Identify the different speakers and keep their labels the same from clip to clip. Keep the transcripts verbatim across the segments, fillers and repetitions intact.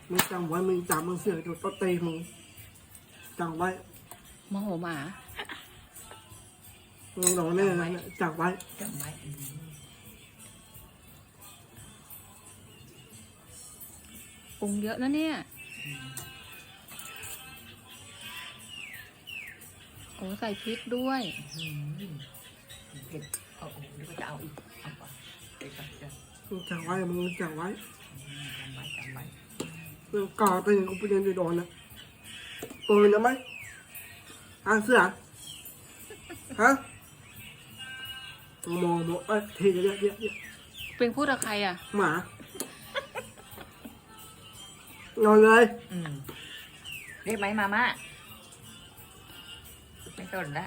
Speaker 1: มึงจำไว้มึงจำมึงเสือกโดนต้นตีมึงจำไว้
Speaker 2: โมโหหมา
Speaker 1: มึงหลอกแน่นะจำไว้
Speaker 3: จำไว้
Speaker 2: ปรุงเยอะนะเนี่ยโอ้ใส่พริกด้วย
Speaker 3: เผ็ดเอาโอ้เดี๋ยวก็จะเอาอีกเอาก่อนเดี๋ยวก่อนเดี๋ยว
Speaker 1: มึงจำไว้มึงจำไว้
Speaker 3: จำไว้จำไว้
Speaker 1: มึงก่อตีกูไปเรียนไปโดนนะปืนนะไหมอ่ะเสือฮะมองมองเอ้ยทีเดียวเดียวเดียว
Speaker 2: เป็นพูดกับใครอ่ะ
Speaker 1: หมา นอนเลย
Speaker 3: อืมเรียกไหมมาม่าไม่สนละ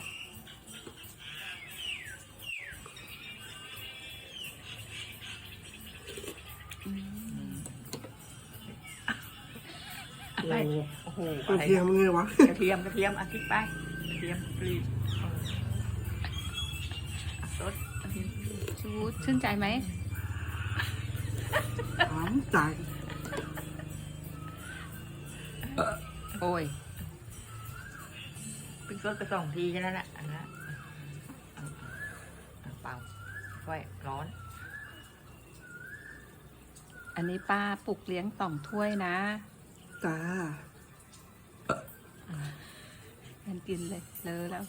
Speaker 3: อะไร
Speaker 1: โอ้โห
Speaker 3: โอ้โห
Speaker 1: ก
Speaker 3: อะ
Speaker 1: ระ
Speaker 3: ไร
Speaker 1: เทียมไงวะ
Speaker 3: กระเทียมกระเทียมอ่ะคิดไปกระเทียมกรีดเอออ่ะซดกระเทียม
Speaker 2: ชูชื่นใจไหม
Speaker 1: หอมใจ
Speaker 2: โอ้ย
Speaker 3: เพิ่งซดไปสองทีแค่นั้นแหละอันนั้นเอาเอาเปล่าไว้ร้อน
Speaker 2: อันนี้ป้าปลุกเลี้ยงต่อมถ้วยนะ
Speaker 1: จ้า
Speaker 2: มันกินเลยเลอะแล้ว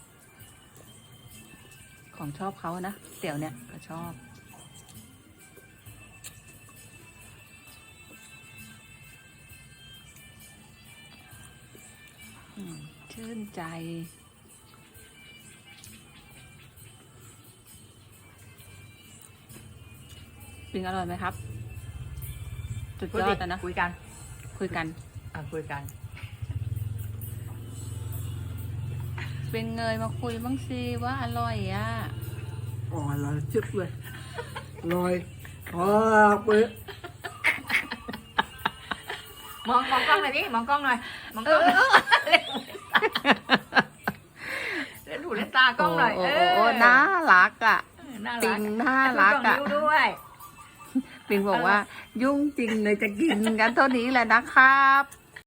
Speaker 2: ของชอบเขานะเตี๋ยวเนี่ยก็ชอบอืมชื่นใจ ปิงอร่อยไหมครับ สุดยอดอะนะ
Speaker 3: คุยกัน
Speaker 2: คุยกัน
Speaker 3: อ่ะคุยกัน
Speaker 2: เป็นเงยมาคุยบ้างสิว่าอร่อยอ่ะ
Speaker 1: อ่อนเลยจึ๊บเลยลอยพอไป
Speaker 3: มองมองกล้องหน่อยดิมองกล้องหน่อยมองกล้องหน่อยเล่นหูเล่นตากล้องหน่อย
Speaker 2: โอ้
Speaker 3: เอ
Speaker 2: โอ้
Speaker 3: อ
Speaker 2: โอ้น่ารักอ่ะ
Speaker 3: น่า
Speaker 2: ปิ
Speaker 3: รัก
Speaker 2: งน่ารัก
Speaker 3: อ่ะ
Speaker 2: อ่ะ
Speaker 3: นิ้วด้วย
Speaker 2: ปิงบอกว่า ยุ่งจริงเลยจะกินกันเท่านี้แหละนะครับ